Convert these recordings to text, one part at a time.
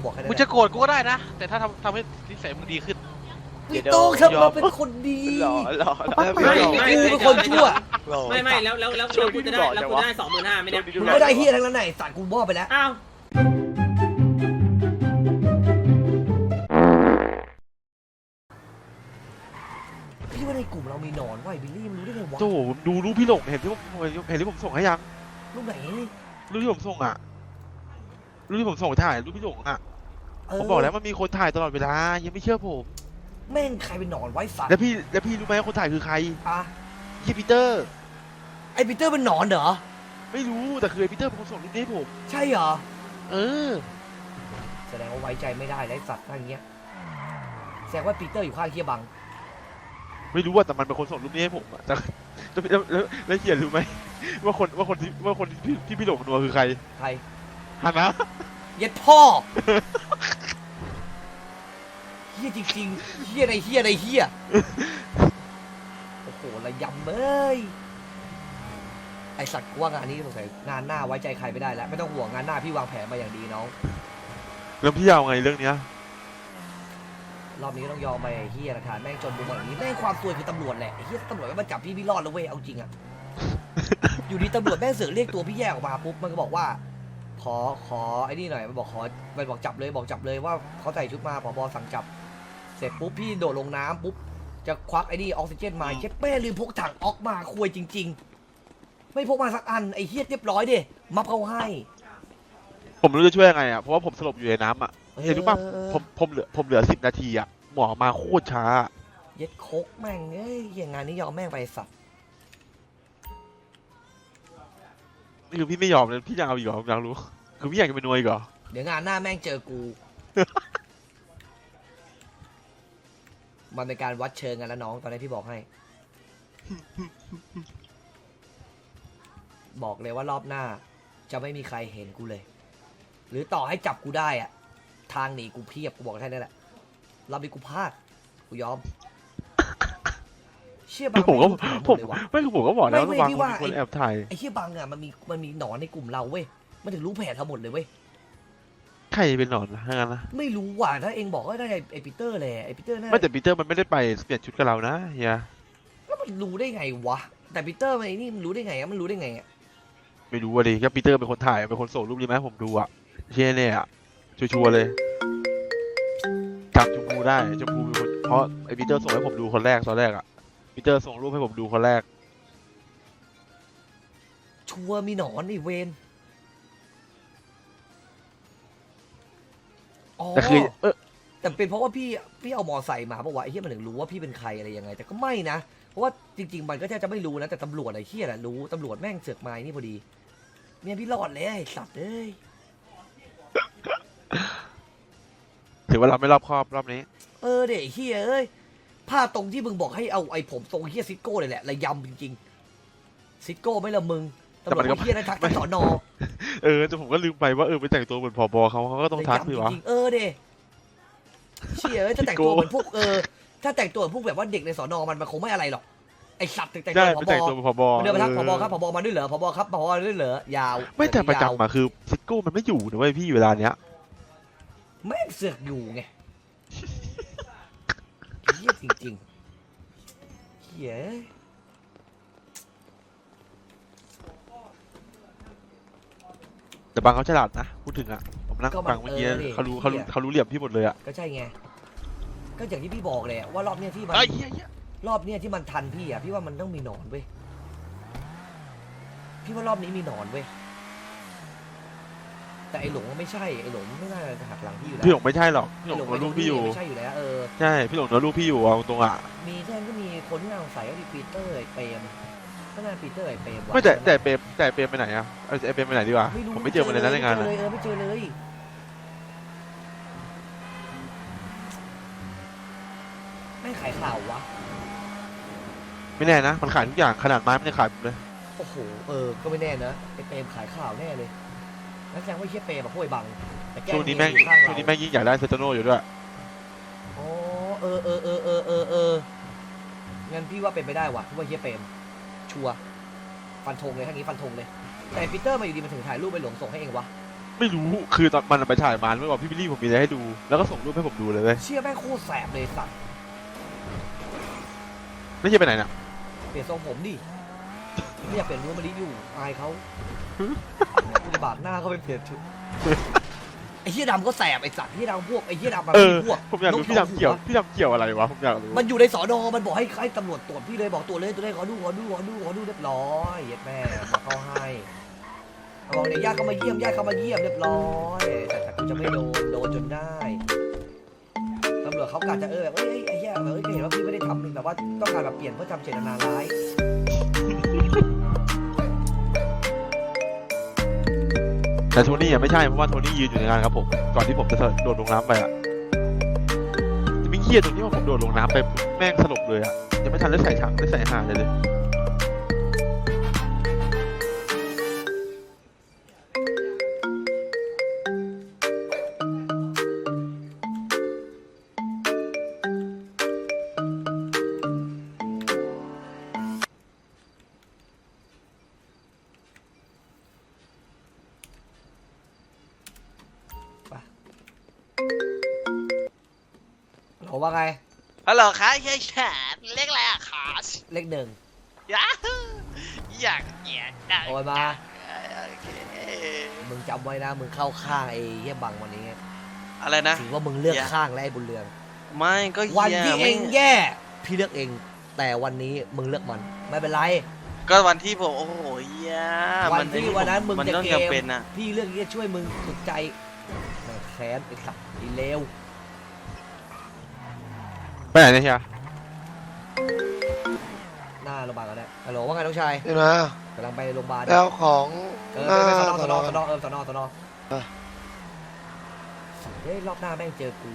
บอกแค่นั้นมึงจะโกรธกูก็ได้นะ แต่ถ้าทำให้นิสัยมึงดีขึ้นพี่โต้งครับเราเป็นคนดีหล่อกูเป็นคนชั่วไม่แล้วกูจะได้25,000ไม่ได้มึงไม่ได้เฮียทั้งนั้นไหนสัตว์กูมอบไปแล้วอ้าวพี่ว่าในกลุ่มเรามีหนอนว่ะบิลลี่มันรู้ได้ไงวะโธ่ผมดูรูปพี่หลงเห็นที่ผมส่งให้ยังรูปไหนรูปที่ผมส่งอ่ะรูปที่ผมส่งถ่ายรูปพี่หลงอ่ะผมบอกแล้วมันมีคนถ่ายตลอดเวลายังไม่เชื่อผมแม่งใครเป็นหนอนไว้สัตว์แล้วพี่รู้ไหมคนถ่ายคือใครอ่ะยี่ปีเตอร์ไอปีเตอร์เป็นหนอนเหรอไม่รู้แต่คือไอ้ปีเตอร์เป็นคนส่งรูปนี้ให้ผมใช่เหรอเออแสดงว่าไว้ใจไม่ได้แล้วสัตว์อะไรเงี้ยแสดงว่าปีเตอร์อยู่ข้างเฮียบังไม่รู้ว่าแต่มันเป็นคนส่งรูปนี้ให้ผมอะแต่แล้วเขียนรู้ไหมว่าคนที่พี่หลงนัวคือใครใครฮันนะเย็ดพ่อเฮียจริงๆเฮียอะไรเฮียอะไรเฮียโอ้โหระยำเอ้ยไอสัตว์กูว่างานนี้สงสัยงานหน้าไว้ใจใครไม่ได้แล้วไม่ต้องห่วงงานหน้าพี่วางแผนมาอย่างดีน้องแล้วพี่เอาไงเรื่องเนี้ยรอบนี้ก็ต้องยอมไปไอ้เฮียหลักฐานแม่งจนมุมแบบนี้แม่งความซวยคือตำรวจแหละไอ้เฮียตำรวจไม่มาจับพี่รอดแล้วเว้ยเอาจริงอะ อยู่ดีตำรวจแม่งเสือกเรียกตัวพี่แยกออกมาปุ๊บมันก็บอกว่าขอไอ้นี่หน่อยมันบอกจับเลยว่าเขาใส่ชุดมาผบสั่งจับเสร็จปุ๊บพี่โดดลงน้ำปุ๊บจะควักไอ้นี่ออกซิเจนมาเช็ดแม่ลืมพกถังออกมาคุยจริง ๆ ไม่พกมาสักอันไอ้เฮียเรียบร้อยดิมัฟเขาให้ผมไม่รู้จะช่วยยังไงอ่ะเพราะว่าผมสลบอยู่ในน้ำอ่ะเห็นรู้ป่ะผมเหลือ10 นาทีอ่ะหมอมาโคตรช้าเย็ดโคกแม่งเอ้ยเหี้ยงานนี้ยอมแม่งไปสัตว์นี่คือพี่ไม่ยอมเลยพี่ยังเอาอีกเหรอผมอยากรู้คือพี่อยากจะเป็นนวยอีกเหรอเดี๋ยวงานหน้าแม่งเจอกู มันเป็นการวัดเชิงกันแล้วน้องตอนนี้พี่บอกให้ บอกเลยว่ารอบหน้า จะไม่มีใครเห็นกูเลย หรือต่อให้จับกูได้อะทางหนีกูเพียบกูบอกแค่นั้นแหละรอบนี้กูพลาดกูยอม เชื่อบังผมก็ไม่รู้ผมเลยว่ะไม่คือผมก็บอกแล้วไม่ว่าพี่ว่าคนแอบถ่ายไอ้เชี่ยบังอะมันมีหนอนในกลุ่มเราเว้ยมันถึงรู้แผนทั้งหมดเลยเว้ยใครเป็นหนอนนะถ้างั้นนะไม่รู้ว่ะถ้าเองบอกว่าได้ไอ้ปีเตอร์แหละไอ้ปีเตอร์น่าไม่แต่ปีเตอร์มันไม่ได้ไปเปลี่ยนชุดกับเรานะเฮียแล้วมันรู้ได้ไงวะแต่ปีเตอร์มันไอ้นี่มันรู้ได้ไงอะมันรู้ได้ไงอะไม่รู้ว่าดิก็ปีเตอร์เป็นคนถ่ายเป็นคนส่งรูปนี้มาให้ผมดูอ่ะเช่เนี่ยอ่ะชัวร์เลยจำชมพูได้ชมพูเป็นคนเพราะไอปีเตอร์ส่งให้ผมดูคนแรกตอนแรกอ่ะปีเตอร์ส่งรูปให้ผมดูคนแรกชัวร์มีหนอนไอ้เวนอ๋อแต่คือแต่เป็นเพราะว่าพี่เอามอไซค์มาเพราะว่าไอ้เหี้ยมันถึงรู้ว่าพี่เป็นใครอะไรยังไง แต่ก็ไม่นะเพราะว่าจริงๆมันก็จะไม่รู้นะแต่ตำรวจไอ้เหี้ยแหละรู้ตำรวจแม่งเสือกมาไอ้นี่พอดีเนี่ยพี่รอดเลยไอ้สัตว์เอ้ยถือว่าเราไม่รอบคอบรอบนี้เด็กเหี้ยเอ้ยภาพตรงที่มึงบอกให้เอาไอ้ผมทรงเหี้ยซิโก้เลยแหละระยำจริงๆซิโก้ไม่ละมึงตำรวจไอ้เหี้ยนะทักสอนอแต่ผมก็ลืมไปว่าไปแต่งตัวเหมือนผบเขาก็ต้องทักสิวะจริงๆเด้เชี่ยถ้าแต่งตัวเหมือนพวกถ้าแต่งตัวเหมือนพวกแบบว่าเด็กในสอนอมันคงไม่อะไรหรอกไอสัตว์แต่งใช่ตัวไปแต่งตัวเป็นผบเดินไปทักผบครับผบมาด้วยเหรอผบครับผบมาด้วยเหรอยาวไม่แต่ประจำอะคือซิโก้มันไม่อยู่นะเว้ยพี่เวลาเนี้ยแม่งเสือกอยู่ไงเฮี้ยจริงๆเฮี้ยแต่บางเขาฉลาดนะพูดถึงอะผมนั่งฟังเมื่อกี้เขารู้เหลี่ยมพี่หมดเลยอะก็ใช่ไงก็อย่างที่พี่บอกเลยว่ารอบเนี้ยที่มันไอ้เหี้ยรอบเนี้ยที่มันทันพี่อ่ะพี่ว่ามันต้องมีหนอนเว้ยพี่ว่ารอบนี้มีหนอนเว้ยแต่ไอ้หลงไม่ใช่ไอ้หลงไม่น่าจะหักหลังพี่อยู่แล้วพี่หลงไม่ใช่หรอกพี่หลงไอ้โดนลูกพี่อยู่ไม่ใช่อยู่แล้วใช่พี่หลงโดนลูกพี่อยู่เอาตรงอะมีแค่ก็มีคนที่น่าสงสัยก็มีปีเตอร์ไอ้เปรมก็น่าปีเตอร์ไอ้เปรมวะไม่แต่เปรมไปไหนอะไอเปรมไปไหนดีกว่าผมไม่เจอมันเลยนะในงานอะไม่เจอเลยไม่ขายข่าววะไม่แน่นะมันขายทุกอย่างขนาดไม้มันยังขายเลยโอ้โหก็ไม่แน่นะไอ้เปรมขายข่าวแน่เลยแล้วแสดงว่าไอ้เชี่ยเปรมแบบพวกไอ้บังแต่แกล้ช่วงนี้แม่งอยู่ข้างเรายิ่งอยากได้เซตโนอยู่ด้วยอ๋องั้นพี่ว่าเป็นไปได้ว่ะพี่ว่าเฮียเปรมชัวร์ฟันธงเลยทั้งนี้ฟันธงเลยแต่ปีเตอร์มาอยู่ดีมันถึงถ่ายรูปไปหลงส่งให้เองวะไม่รู้คือตอนมันไปถ่ายมันไม่บอกพี่บิลลี่ผมมีอะไรให้ดูแล้วก็ส่งรูปให้ผมดูเลยเว้ยเชี่ยแม่งโคตรแสบเลยสัตว์ไม่ใช่ไปไหนน่ะเปลี่ยนทรงผมดิไม่อยากเปลี่ยนรูปมาดิอยู่อายเขากูจะบาดหน้าเขาไปเปลี่ยนชุดไอ้เหี้ยดำก็แสบไอ้สัตว์เหี้ยดำพวกไอ้เหี้ยดำมันเออมีพวกผมอยากรู้พี่ดำเกี่ยวพี่ดำเกี่ยวอะไรวะผมอยากรู้มันอยู่ในสอนอมันบอกให้ตำรวจตรวจพี่เลยบอกตรวจเลยตัวเลยขอดูเรียบร้อยเย็ดแม่มาเข้าให้บอกเนี่ยญาติเข้ามาเยี่ยมเรียบร้อยแต่กูจะไม่โดนจนได้ตำรวจเขากะจะแบบเอ้ยไอ้เหี้ยก็เห็นว่าพี่ไม่ได้ทำแต่ว่าต้องการแบบเปลี่ยนเพื่อทำเจตนาร้ายแต่โทนี่อ่ะไม่ใช่เพราะว่าโทนี่ยืนอยู่ในงานครับผมก่อนที่ผมจะโดดลงน้ำไปอ่ะจะไม่เครียดตรงที่ว่าผมโดดลงน้ำไปแม่งสลบเลยอ่ะยังไม่ทันได้ใส่ถังได้ใส่อาหารเลยผมว่าไงฮัลโหลครับเฮียแขนเรียกอะไรอะคอสเลขหนึ่งยาฮูอยากเกียดดังโอนมาโอเคมึงจำไว้นะมึงเข้าข้างไอ้เหี้ยบังวันนี้อะไรนะถือว่ามึงเลือกข้างและไอ้บุญเรืองไม่ก็วันเฮียที่เอไม่งแย่พี่เลือกเอง แต่วันนี้มึงเลือกมันไม่เป็นไรก็วันที่ผมโอ้โหเฮียวันที่วันนั้นมึงมันจะต้องเกจำมเป็นนะพี่เลือกที่จะช่วยมึงสุดใจแม่งแค้นไอ้สัตว์ไอ้เลวไปไหนเนี่ยเฮียหน้าโรงพยาบาลกันแล้วฮัลโหลว่าไงน้องชายเห็นไหมกำลังไปโรงพยาบาลแล้วของเออหน้าไปสสนนออสนอสนอสนอเออเฮ้ยรอบหน้าแม่งเจอกู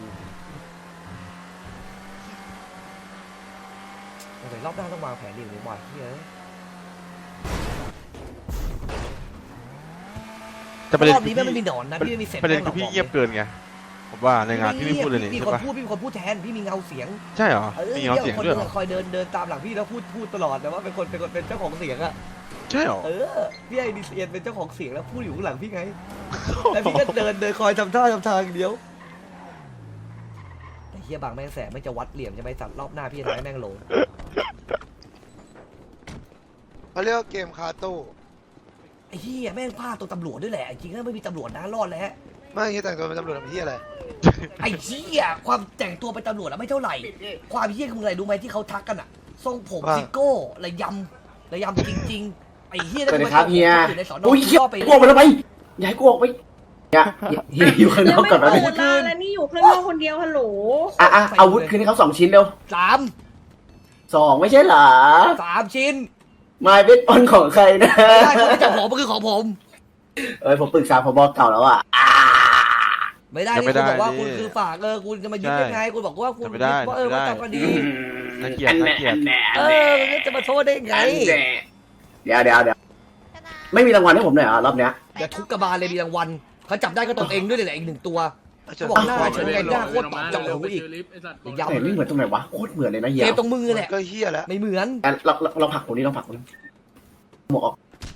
โอเครอบหน้าต้องวางแผนดีหรือบ่อยเฮ้ยแต่ประเด็นรอบคืนี้อแม่งไม่พี่มีหนอนนะพี่ไม่มีเศษประเด็นแป้งหรคืออกพี่เงียบเกินไงผมว่าในงานพี่ไม่พูดเลยนี่มีใช่คนปะพูดมีคนพูดแทนพี่มีเงาเสียงใช่เหรอเออมีเงาเสียงคนด้วยเหรอคอยเดินตามหลังพี่แล้วพูดตลอดแต่ว่าเป็นคนเป็นเจ้าของเสียงอะใช่เหรอเออพี่ไอ้ดิเซียนเป็นเจ้าของเสียงแล้วพูดอยู่ข้างหลังพี่ไงแล้วพี่ก็เดินคอยทำท่าอย่างเดียวแต่เฮียบางแม่งแสบไม่จะวัดเหลี่ยมจะไปสัตว์รอบหน้าพี่จะทำให้แม่งโหลเขาเรียกว่าเกมคาตู้ไอ้เฮียแม่งพลาดตัวตำรวจด้วยแหละจริงๆแล้วไม่มีตำรวจนะรอดแล้วไม่คิดแต่งตัวเป็นตำรวจทำที่อะไรไอ้เฮียความแต่งตัวเป็นตำรวจอะไม่เท่าไหร่ ความเฮียคืออะไรรู้ไหมที่เขาทักกันอะทรงผมว่าซิโก้ระยำจริงๆไอ้เฮียสวัสดีครับเฮียอยู่ในสอนออุ้ยเฮียก็ไปกลัวไปแล้วไปอย่าให้กูออกไปอย่าเฮียอยู่ข้างนอกก่อนนะยังไม่เปิดมาแล้วนี่อยู่ข้างนอกคนเดียวฮัลโหลอ่ะอาวุธคืนให้เขา2 ชิ้นเร็วสาม 2ไม่ใช่เหรอชิ้นมาเป็นปอนของใครนะไม่ได้คนที่จับผมมันคือของผมผมปรึกษาผบเก่าแล้วอ่ะไม่ได้ยังไม่ที่คุณบอกว่าได้คุณนี่คือฝากคุณจะมายึดใช่ได้ไงคุณบอกว่าคุณยังไม่ได้ว่ายังไม่ว่าได้จับก็ดีน่าเกลียดน่าเกลียดจะมาโทษได้ไงเดี๋ยวไม่มีรางวัลให้ผมหน่อยเหรอรอบเนี้ยอย่าทุกกระบาลเลยมีรางวัลเขาจับได้ก็ตนเองด้วยเลยแหละอีก1 ตัวเขาบอกหน้าเฉยไงหน้าโคตรตอบจับหูอีกยาวแต่ไม่เหมือนตรงไหนวะโคตรเหมือนเลยนะเฮียเกมตรงมือแหละก็เฮี้ยแล้วไม่เหมือนเราผลักคนนี้เราผลักคนนี้หมวกออก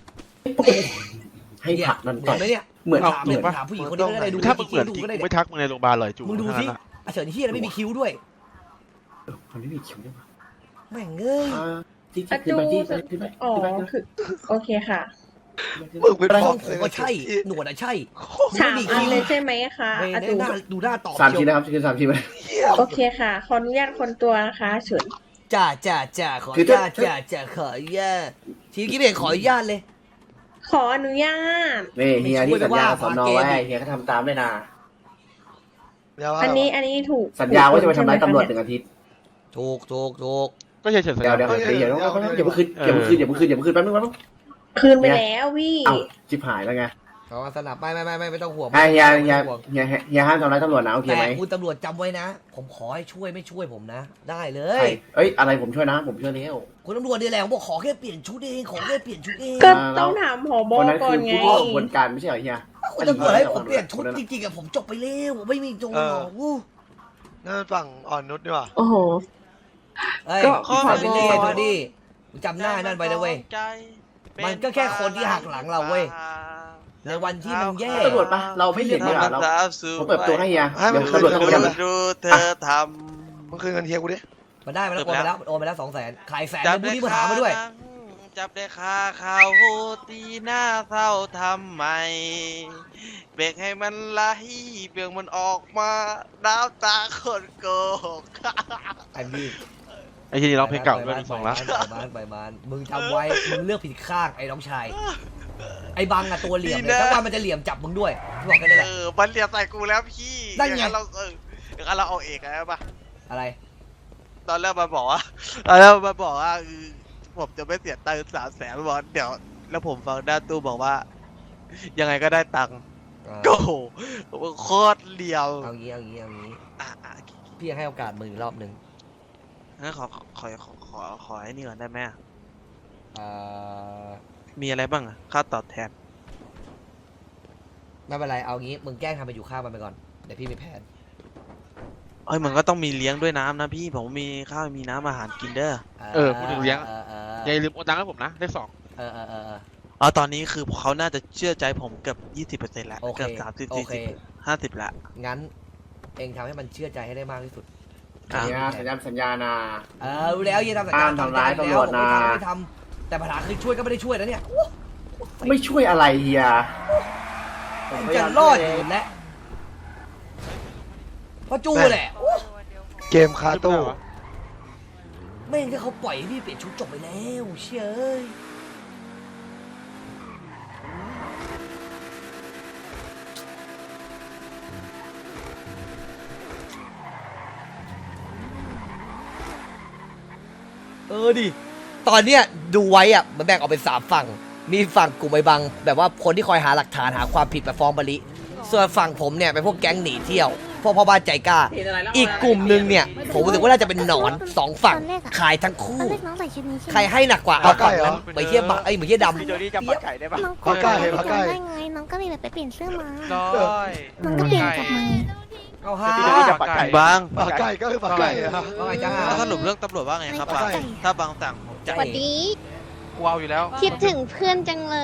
ให้ผลักนั่นเหมืก่ออน นไหมเนี่ยเหมือนถามเลยถามผู้หญิงคนนี้ก็ได้ดูถ้ามึงเหมือนจดูริงก็ได้กูไม่ทักมึงในโรงพยาบาลเลยจูมึงดูทั้งสินั้นอะเฉินเฮียไม่มีคิ้วด้วยคนไม่มีคิ้วด้วยวะแม่งเอ้ยที่อะขึ้นจูไปที่ขึ้นไปอ๋อคือโอเคค่ะมึงเป็นช่พ่อองผมก็ใช่หนวดอะใช่ 3 อันเลยใช่ไหมคะไม่อะได้จูหน้าดูหน้าตอบ 3 เชีชิ้นยวนะครับคือ3 ชิ้นไปเฮี้ยโอเคค่ะ ขออนุญาตคนตัวนะคะเฉินจ้าขออนุญาตจ้าขออนุญาตทีนี้พี่เอกขออนุญาตเลยขออนุญาตนี่เฮียที่สัญญากับสอนอไว้ไม่ช่วยไปว่าเฮียก็ทำตามด้วยนะเดี๋ยวว่าอันนี้ถูกสัญญาว่าจะไปทำร้ายตำรวจ1 อาทิตย์ถูกก็เฉยๆสัญเดี๋ยวญาอย่าเพิ่งคืนอย่าเพิ่งคืนแป๊บนึงคืนไปแล้ววี่เอ้าชิบหายแล้วไงเอาสนับไม่ต้องห่วงเฮียไม่ต้องห่วงห้ามทำร้ายตำรวจนะโอเคแต่ไหมคุณตำรวจจำไว้นะ ผมขอให้ช่วยไม่ช่วยผมนะ ได้เลใครยเอ้ยอะไรผมช่วยนะผมช่วยแล้วคุณตำรวจเนี่ยแหละผมบอกขอแค่เปลี่ยนชุดเองขอแค่เปลี่ยนชุดเองก็ต้องถามผบคนนั้นก่อคืนอไงผู้ร่วมกระบวนการไม่ใช่เหรอเฮียคุณตำรวจให้ผมเปลี่ยนชุดจริงๆอะผมจบไปแล้วผมไม่มีโจรหรอกอู้นั่นฝั่งอ่อนนุชดีกว่าโอ้โหเอ้ยก็ขอไปเรียนดูดิจำหน้านั่นไปนะเว้ย มันก็แค่คนที่หักหลังเราเว้ยในวันที่มึงแย่ตำรวจปะเราไม่เห็นเนี่ยเราผมเปิดประตัวให้เฮียให้มันเดี๋ยวตำรวจต้องคืเรียนกดูเธอทมึงคืนเงินเฮียกูดิมันได้มาแล้วโอนไปแล้วโอนไปแล้ว200,000ขายแสนำจับนึงพวกได้นี้มาหามาด้วยจับได้คาเขาตีหน้าเศร้าทำไมเบรกให้มันไหลเบี่ยงมันออกมาน้ำตาคนโกหกไอ้พี่ไอ้ที่นี่ร้องเพลงเก่าด้วย2 ล้านไปมานมึงจำไว้มึงเลือกผิดข้างไอ้น้องชายไอ้บังอะตัวเหลี่ยมเลยถ้าว่ามันจะเหลี่ยมจับมึงด้วยบอกกันนี่แหละมันเหลียบใส่กูแล้วพี่นั่นไงอย่างเราอย่างนั้นเราเอาเอกอะไรปะอะไรตอนแรกมันบอกว่าผมจะไม่เสียตังค์300,000บอกเดี๋ยว แล้วผมฟังด้านตู้บอกว่า ยังไงก็ได้ตังค์โอ้โหโคตรเหลียวเอางี้อ่ะพี่ให้โอกาสมึงอีกรอบหนึ่งงั้นขอไอ้นี่ก่อนได้ไหมอะเอ่อมีอะไรบ้างอะค่าตอบแทนไม่เป็นไรเอางี้มึงแกล้งทำไปอยู่ข้างมันไปก่อนเดี๋ยวพี่มีแผนเอ้ยมันก็ต้องมีเลี้ยงด้วยน้ำนะพี่ผมมีข้าวมีน้ำอาหารกินเด้อพูดถึงเลี้ยงอย่าลืมโอนตังค์ให้ผมนะเลข 2 อ๋อตอนนี้คือเขาน่าจะเชื่อใจผมเกือบ 20%แล้วโอเคเกือบ30 โอเค 40 50ละงั้นเองทำให้มันเชื่อใจให้ได้มากที่สุดสัญญานะรู้แล้วอย่าทำสัญญาห้ามทำร้ายตำรวจนะไม่ทำแต่ปัญหาคือช่วยก็ไม่ได้ช่วยนะเนี่ยไม่ช่วยอะไรเฮียมันจะรอดอยู่แล้วเพราะจูแหละเกมคาตู้ไม่งั้นเขาปล่อยให้พี่เปลี่ยนชุดจบไปแล้วเชื่อเอ้ยดิตอนเนี้ยดูไว้อะมันแบ่งออกเป็น3ฝั่งมีฝั่งกลุ่มไอ้บังแบบว่าคนที่คอยหาหลักฐานหาความผิดมาฟ้องบริส่วนฝั่งผมเนี่ยเป็นพวกแก๊งหนีเที่ยวพวกพ่อบ้านใจกล้า อีกกลุ่มหนึ่งเนี่ยผมรู้สึกว่าน่าจะเป็นหนอน2 ฝั่งขายทั้งคู่ตอนแรกน้องใส่ชุดนี้ใช่ไหมใครให้หนักกว่าเอาฝั่งนั้นไปเทียบบักไอ้เหมือนเทียดำพี่โจดี้จำปลาไก่ได้ปะน้องปลาไก่ปลาไก่ได้ไงน้องก็เลยแบบไปเปลี่ยนเสื้อมาร้อยน้องก็เปลี่ยนกลับมาเอาฮะบางปลาไก่ก็คือปลาไก่อะว่าไงจ้าแล้วสรุปเรื่องตำรวจว่าไงครับบางถ้าบางสั่งผมจะสวัสดีกูเอาอยู่แล้วคิดถึงเพื่อนจังเลย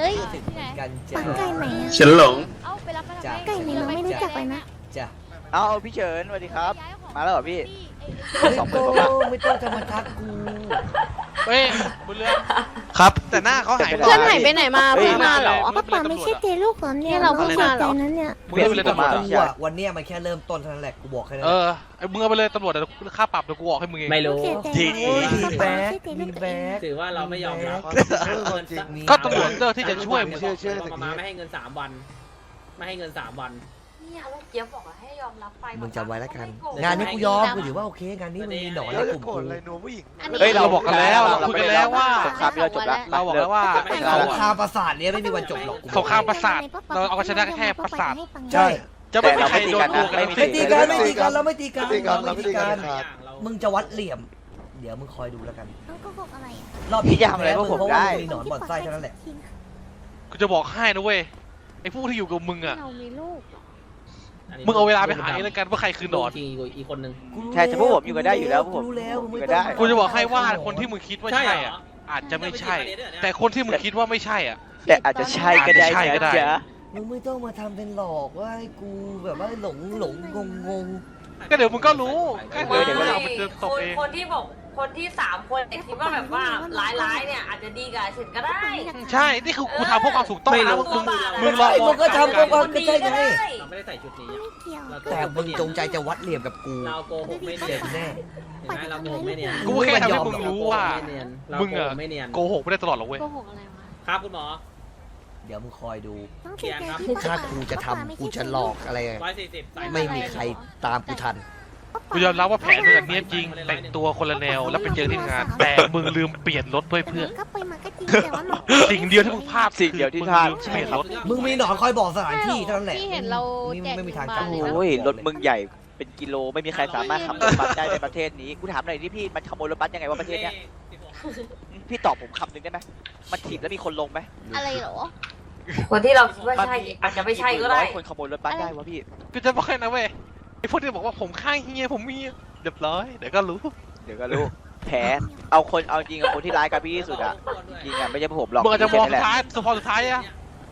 ถึงกันจ้าปังไก่ไหนอะฉันหลงเอาไปรับจ้ะไก่ไหนน้องไม่รู้จักเลยนะจ้าเอาพี่เฉินสวัสดีครับ มาแล้วเหรอพี่ไม่ต้องจะมาทักกูเฮ้ยบุญเรืองครับ แต่หน้าเขาหายเพื่อนหายไปไหนมาเฮ้ยเพิ่งมาเหรอป้าป๋าไม่ใช่เจลูกเหรอเนี่ยนี่เราก็เพิ่งเสียมาเหใจรอนั้นเนี่ยมึงเรียกไปเลยตำรวจกูอะวันเนี้ยมันแค่เริ่มต้นเท่านั้นแหละกูบอกแค่นั้นไอ้มึงเอาไปเลยตำรวจเดี๋ยวค่าปรับเดี๋ยวกูออกให้มึงเองไม่รู้เสียใจทีนะแบ็ป้าคไม่ใช่เจลูมีกตัวเอแบ็งคถือว่าเราไม่ยอมรับก็ตำรวจเลือกที่จะช่วยมึงเชื่อมาไม่ให้เงิน3 วัน ไม่ให้เงิน3 วันเนี่ยแล้วเจี๊ยบบอกว่าให้ยอมรับไปมึงจำไว้แล้วกัน งานนี้กูยอมกูถือว่าโอเคงานนี้มึงมีหนอนแล้วในจะกลุ่มโกรกูธอะไรหนูผู้หญิงเฮ้ยเราบอกกันแล้วเราคุยกันแล้วว่าครับเราจบแล้วเราบอกแล้วว่าสงครามประสาทเนี้ยไม่มีวันจบหรอกกูสงครามประสาทเราเอาชนะแค่ประสาทใช่จะไม่มีใครโดนตัวกันไม่ตีกันไม่ตีกันเราไม่ตีกันเราไม่ตีกันมึงจะวัดเหลี่ยม เดี๋ยวมึงคอยดูแล้วกันน้องโกหกอะไรอ่ะรอบนี้จะทำอะไรพวกผมได้มีหนอนบ่อนไส้เท่านั้นแหละกูจะบอกให้นะเว้ยไอ้ผู้ที่อยู่กับมึงอ่ะเรามีลูกมึงเอาเวลาไปหาเองแล้วกันว่าใครคือหนอนอีกคนนึงใช่แต่พวกผมอยู่กันได้อยู่แล้วพวกผมรู้แล้วมึงไม่อยู่กันต้ได้องกูจะบอกให้ว่าคนที่มึงคิดว่าใช่อ่ะอาจจะไม่ใช่ แต่คนที่มึงคิดว่าไม่ใช่อ่ะแต่อาจจะใช่ก็ได้ใช่ก็ได้จ๊ะมึงไม่ต้องมาทำเป็นหลอกว่าให้กูแบบว่าหลงงงก็เดี๋ยวมึงก็รู้ก็ไม่เดี๋ยวเราไปเดินตบเองคนที่บอกคนที่3 คนคิดว่าแบบว่าร้ายๆเนี่ยอาจจะดีกับเฉินก็ได้ใช่นี่คือกูทำเพื่อความถูกต้องไม่นะรู้มึงลองมึงก็ทำก็คนดีก็ได้เราไม่ได้ใส่ชุดนี้ไม่เกี่ยวแต่มึงจงใจจะวัดเหลี่ยมกับกูเราโกหกไม่เจ็เนียบนแน่เห็นไหมเราโกหกไม่เนียนกูแค่ทำให้มึงรู้ว่า มึงอะไม่เนียนโกหกไม่ได้ตลอดหรอกเว้ยโกหกอะไรวะครับคุณหมอเดี๋ยวมึงคอยดูต้องเสียใจที่ถ้ากูจะทำกูจะหลอกอะไร 140 ไม่มีใครตามกูทันกูยอมรับว่าแผนมึงอะเนี้ยบจริง แต่งตัวคนละแนวแล้วไปเจอที่งาน แต่มึงลืมเปลี่ยนรถเพื่อก็ไปมาก็จริงแต่ว่าน้องสิ่งเดียวที่มึงพลาดสิ่งเดียวที่พลาดมึงเปลี่ยนรถมึงมีหนอนคอยบอกสถานที่เท่านั้นแหละที่เห็นเราไม่มีทางแจกจำถึงบ้านเลยนะโอ้ยรถมึงใหญ่เป็นกิโลไม่มีใครสามารถขับรถบัสได้ในประเทศนี้กูถามหน่อยที่พี่มันขโมยรถบัสยังไงวะประเทศเนี้ยพี่ตอบผมคำหนึ่งได้ไหมมันถีบแล้วมีคนลงไหมอะไรเหรอคนที่เราคิดว่าใช่อาจจะไม่ใช่ก็ได้ร้อยคนขโมยรถบัสได้วะพี่กูจะบอกให้นะเว้ยไอ้พวกที่บอกว่าผมข้างเฮียผมมีเรียบร้อยเดี๋ยวก็รู้เดี๋ยวก็รู้แผลเอาจริงกับคนที่ร้ายกับพี่ที่สุดอะจริงอะไม่ใช่ผมหรอกมึงอาจจะมองแค่สุนั้นดแหละท้ายสุดท้ายอะ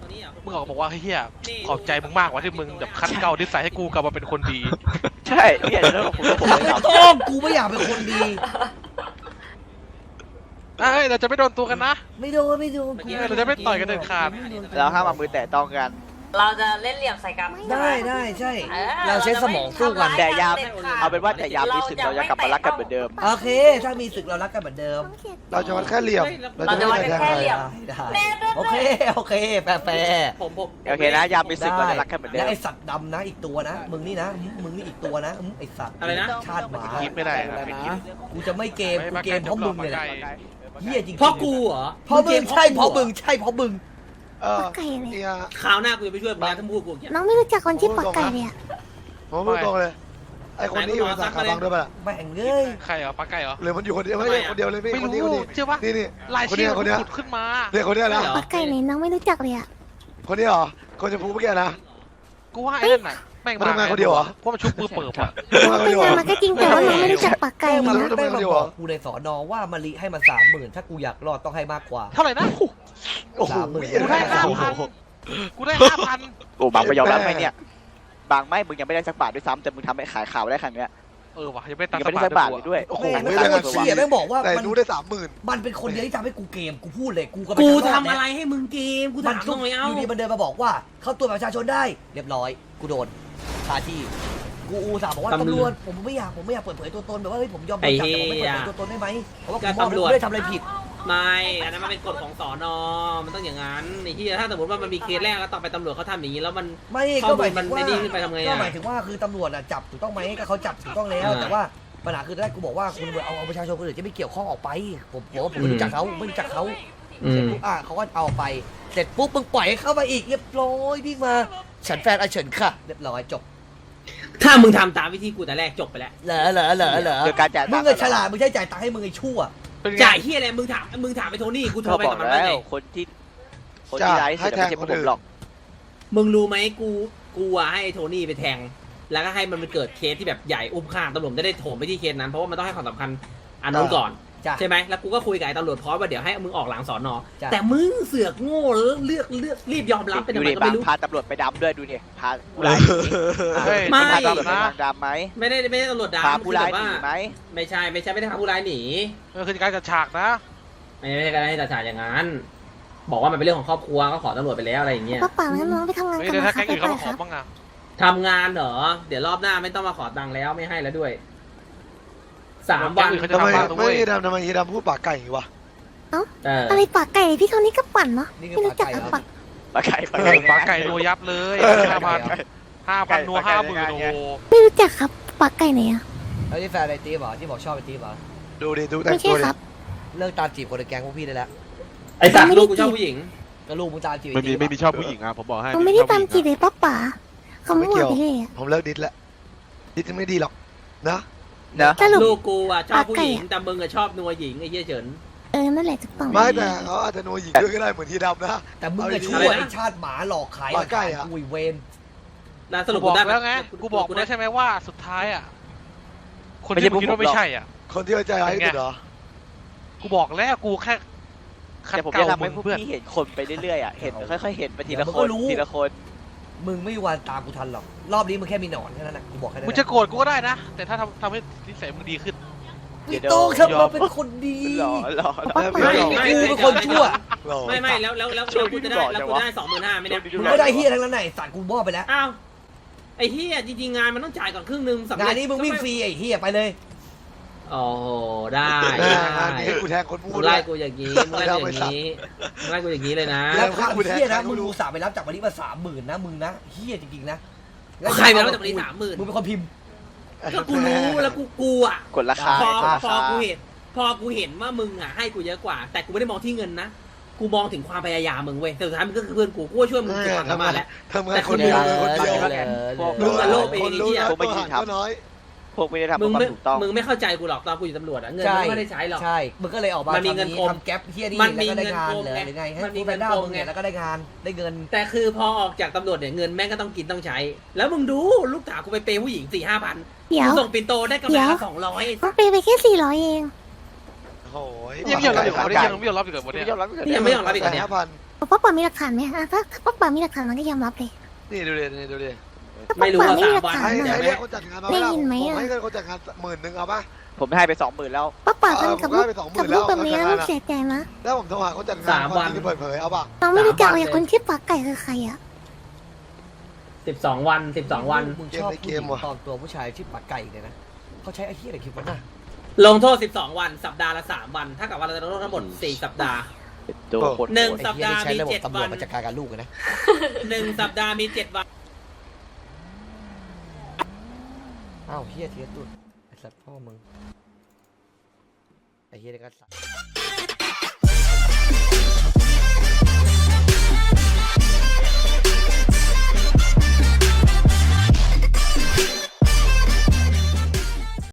ๆมึงออกบอกว่าเฮียขอบใจมึงมากว่าที่มึงแบบคัดเกลานิสัยให้กูกลับมาเป็นคนดีใช่เนี่ยแล้วผมเลยไม่ครับต้องกูไม่อยากเป็นคนดีเอ้ยเราจะไม่โดนตัวกันนะไม่โดนกูเราจะไม่ต่อยกันเด็ดขาดเราห้ามเอามือแตะต้องกันเราจะเล่นเหลี่ยมใส่กันได้ใช่ เราใช้สมองสู้กันแต่ยามเอาเป็นว่าแต่ยามมีศึกเราจะกลับมารักกันเหมือนเดิมโอเค ถ้ามีศึกเรารักกันเหมือนเดิมเราจะวัดแค่เหลี่ยมเราจะวัดกันแค่เหลี่ยมได้โอเคแฟร์ผมโอเคนะยามมีศึกเราจะรักกันเหมือนเดิและมไอสัตว์ดำนะอีกตัวนะ มึงนี่นะ มึงนี่อีกตัวนะไอสัตว์อะไรนะชาติหมาคิดไม่ได้นะไม่คิดกูจะไม่เกมกูเกมเพราะมึงเลยนะเฮียจริงๆเพราะกูเหรอเพราะมึงใช่เพราะมึงปักไก่เลยคราวหน้ากูจะไปช่วยมึงนะถ้าพูดกูอย่างเงี้ยน้องไม่รู้จักคนที่ปักไก่เลยอ่ะผมพูดตรงเลย ไอคนนี้อยู่ในสาขาบางด้วยป่ะแม่งเอ้ยใครเหรอปลาไก่เหรอหรือมันอยู่คนเดียวไม่ใช่คนเดียวเลยพี่ไม่คนนี้รู้คนนี้เชื่อปะนี่รายชื่อคนเนี้ยขุดขึ้นมาเนี่ยคนเนี้ยนะปักไก่ไหนน้องไม่รู้จักเลยอ่ะคนนี้เหรอคนจะพูดเมื่อกี้นะกูว่าไอ้นั่นไหนแม่งมันทำงานคนเดียวเหรอเพราะมันชุบมือเปิบอะน้องเป็นงานมาก็จริงแต่ว่าน้องไม่รู้จักปักไก่แม่งเลยมานะแม่งมาบอกกูในสอนอว่ามะลิให้มัน30,000ถ้ากูอยากรอดต้องให้มากกว่าเท่าไหร่นะโอ้โหกูได้5,000กูได้5,000 โอ้บางไปยอมรับไหมเนี่ยบางไม่มึงยังไม่ได้สักบาทด้วยซ้ำแต่มึงทำให้ขายข่าวได้ครั้งเนี้ยเออว่ะยังไม่ตัยัดงไม่ได้สักบาทเลยด้วยโอ้โหแม่งไม่ไม่ได้ได้เงินเชี่ยแม่งบอกว่าแต่มันนู้ได้30,000 มันเป็นคนเดียวที่ทำให้กูเกมกูพูดเลยกูก็ไปกูทำทำอะไรให้มึงเกมกูมันถามทุหกน่อยอเอ้ายู่ดีมันเดินมาบอกว่า เข้าตัวจประชาชนได้เรียบร้อยกูโดนคาที่กูอุตส่าห์บอกว่าตำรวจผมไม่อยากเปิดเผยตัวตนแบบว่าเฮ้ยผมยอมโดนจับแต่ผมไม่เปิดเผยตัวตนได้ไหมเพราะว่าผมมองว่าผมไม่ได้ทำอะไรผิดไม่อันนั้นมันเป็นกฎของสอนอมันต้องอย่างนั้นไอ้ที่ถ้าสมมติว่ามันมีเคสแรกแล้วต่อไปตำรวจเขาทำอย่างนี้แล้วมันไม่ข้ก็อหมูมาลยมัถึนงว่าไม่ดีขึ้นไปทำไงก็อ่ะหมายถึงว่าคือตำรวจอะจับถูกต้องไหมก็เขาจับถูกต้องแล้ว แต่ว่าปัญหาคือแรกกูบอกว่าคุณเอาประชาชนคนอื่นจะไม่เกี่ยวข้องออกไปผมไม่รู้จักเขาไม่รู้จักเขาอืเสร็จมปุ๊บเขาก็เอาไปเสร็จปุ๊บมึงปล่อยให้เข้ามาอีกเรียบร้อยวิ่งมาฉันแฟนอาเฉินค่ะเรียบร้อยจบถ้ามึงทำตามวิธีกูแต่แรกจบไปแล้วเหรอโดยการจ่ายมึตังงค์เงินฉลาดมึงใช้จ่ายตังค์ให้มึงไอ้ชั่วเป็นไงจ่ายที่อะไรมึงถามไปโทนี่กูโทก็รไปบอกับกมันแล้ว่าไงวคนที่ร้ายที่สุดไม่ใช่พวกผมหรอกมึงรู้ไหมกูอะให้โทนี่ไปแทง แล้วก็ให้มันเกิดเคสที่แบบใหญ่อุ้มฆ่าตำรวจจะได้โถมไปที่เคสนั้นเพราะว่ามันต้องให้ความสำคัญอันนั้นก่อนจ้ะใช่ไหมแล้วกูก็คุยกับไอ้ตำรวจพร้อมว่าเดี๋ยวให้มึงออกหลังสอนอจ้ะแต่มึงเสือกโง่เลือกรีบยอมรับเป็นดูทำไมดิก็บางไม่รู้พาตำรวจไปดำด้วยดูดิพาผู้ร้ายเฮ้ยไม่พาตำรวจไปทางดำไหมไม่ได้ตำรวจด่าพามันผู้คือร้าแบยบหว่านีไหมไม่ใช่ไม่ได้พาผู้ร้ายหนีมันคือการจัดฉากนะไม่ใช่การให้ตัดฉากอย่างนั้น บอกว่ามันเป็นเรื่องของครอบครัวก็ขอตำรวจไปแล้วอะไรอย่างเงี้ยปักป่างั้นน้องไปทำงานไม่กันได้นะถ้าคะแก๊งไปอื่นไปเขามาขอครับบ้างอะทำงานเหรอเดี๋ยวรอบหน้าไม่ต้องมาขอตังค์แล้วไม่ให้แล้วด้วย3 วันเขาจะทำไมทำบ้างนะไม่เว้ยทำไมเฮียดำพูดปากไก่อย่างงี้วะอะไรปักไก่พี่เขานี่ก็ปั่นเนาะนี่ไม่คือรู้จักปากไก่อะเหรอปักปลาไก่ปลาไก่นัวยับเลย5,000นัว50,000โอ้โหไม่รู้จักครับปักไก่ไหนอะแล้วที่แฟนไอ้ตีบเหรอที่บอกชอบไอ้ตีบเหรอดูดิดูแต่ไม่งใช่ตัวดิครับเลิกตามจีบคนในแก๊งพวกพี่ได้แล้วไอ้สัตว์ลูกกูชอบผู้หญิงก็ลูกมึงตามจีบไม่มีไม่มีชอบผู้หญิงอ่ะผมบอกให้เขาไม่ได้ตามจีบเลยเลยปักป่าเขาไม่หมดไปเลยอะผมเลิกดิสแล้วดิสไม่ดีหรอกนะเนอะสรุปลูกกูอ่ะชอบผู้หญิงปากไก่อะแต่มึงอ่ะชอบนัวหญิงไอ้เหี้ยเฉินนั่นแหละถูกต้องไม่แต่เขาอาจจะโนหญิงด้วยก็ได้เหมือนเฮียดำนะแต่มึงก็เอาดีๆชั่วไอ้ชาติหมาหลอกขายปากไก่อะกุยเวนแล้วสกูรุปบอกได้แล้วไงกูบอกแล้วใช่ไหมว่าสุดท้ายอ่ะคนไม่ที่ใช่มึงคิดว่าไม่ใช่อ่ะคนที่ไว้ใจร้ายที่สุดเหรอกูบอกแล้วกูแค่คัดแต่ผมเกลาจะทำมึให้งพวกเพื่อนพี่เห็นคนไปเรื่อยๆอ่ะเห็นค่อยๆเห็นไปทีละคนทีละคนมึงไม่มีวันตามกูทันหรอกรอบนี้มึงแค่มีหนอนแค่นั้นแหละกูบอกแค่นั้นมึงจะโกรธกูก็ได้นะ แต่ถ้าทำให้นิสัยมึงดีขึ้นไม่ต้องทำมาเป็นคนดีหล่อปักป่ากูเป็นคนชั่วไม่แล้วกูจะได้25,000ไม่ได้มึงไม่ได้เฮียทั้งนั้นไหนสัตว์กูมอบไปแล้วอ้าวไอ้เหี้ยจริงๆงานมันต้องจ่ายก่อนครึ่งนึงสำเร็จงานนี้มึงวิ่งฟรีไอ้เฮียไปเลยโอ้โหได้งานนี้กูแทงคนพูมึดงไล่กูอย่างนี้มึงไล่กูอย่างนี้มึงไล่กูอย่างนี้เลยนะแล้วความเฮียนะมึงอุตส่าห์ไปรับจากวันนี้มา30,000นะมึงนะเฮียจริงๆนะใครไปรับจากวันนี้30,000 มึงเป็นคนพิมพ์ก็กูรู้แล้วกูอ่ะกดราคาพอกูเห็นว่ามึงอ่ะให้กูเยอะกว่า แต่กูไม่ได้มองที่เงินนะกูมองถึงความพยายามมึงเว้ยแต่สุดท้ายมึงก็คือเพื่อนกูกูช่วยมึงผ่านมาแล้วทำงานคนเดียวคนเดียวมึงอะโลภเองคนรู้นะตัวหันก็น้อยพวกไม่ได้ทำมึงความไม่ถูกต้องมึงไม่เข้าใจกูหรอกตอนกูอยู่ตำรวจอะเงินมึงไม่ได้ใช้หรอกใช่มึงก็เลยออกมามันมีเงินกลมทำแก๊ปเฮียนี่มันมีแล้วก็ได้งานเงินกลมเหรอหรือไงให้มันมีกูเงิเป็นนด้ากลมมึงเนี่ยไงแล้วก็ได้งานได้เงินแต่คือพอออกจากตำรวจเนี่ยเงินแม่งก็ต้องกินต้องใช้ แล้วมึงดูลูกสาวกูไปเปย์ผู้หญิง4-5,000 เดี๋ยวกูส่งปินโตได้กำไรละ200 ต้องไปแค่400เองโอ้ยยังไม่ยอมรับอีกเหรอวันนี้ยังไม่ยอมรับอีกเหรอวันนี้ไม่ยอมรับนี่ยังไม่ยอมรับอีกเหรอเนี่ย 5,000 ป้าป๋ามีหลักฐานไหมอ่ะถ้าป้าป๋ามีหลักฐานมันก็ยอมรับเลยนี่ดูดินี่ดูดิไม่รู้ว่า3 วันให้เดี๋ยวเรียกคนจัดงานมาได้แล้วยินไหมผมอ่ะให้เงินคนจัดงาน10,000เอาปะผมให้ไป20,000แล้วป้าป๋าทำกับลูกผมได้ไป20,000 กับลูกแบบนี้แล้วลูกเสียใจนะแล้วผมโทรหาคนจัดงาน 3 วันที่เปิดเผยเอาปะน้องไม่รู้จักเลยคนชื่อปักไก่คือใครอ่ะ 12 วัน 12 วันมึงชอบผู้หญิงปลอมตัวผู้ชายชื่อปักไก่เนี่ยนะเขาใช้ไอ้เหี้ยอะไรคิดวะน่ะลงโทษ 12 วัน สัปดาห์ละ 3 วันถ้ากับว่าเราจะลงโทษทั้งหมด 4 สัปดาห์ตัวโคตรหนึ่งไอ้สัปเหี้ยดาห์นี่ใช้มีระบบ 7 ตำรวัวจนมาจัดการกับลูกเลยนะ 1 สัปดาห์มี 7 วันอ้าวเหี้ยเทียตุดไอ้สัตว์พ่อมึงไอ้เหี้ยนี่ก็สัตว์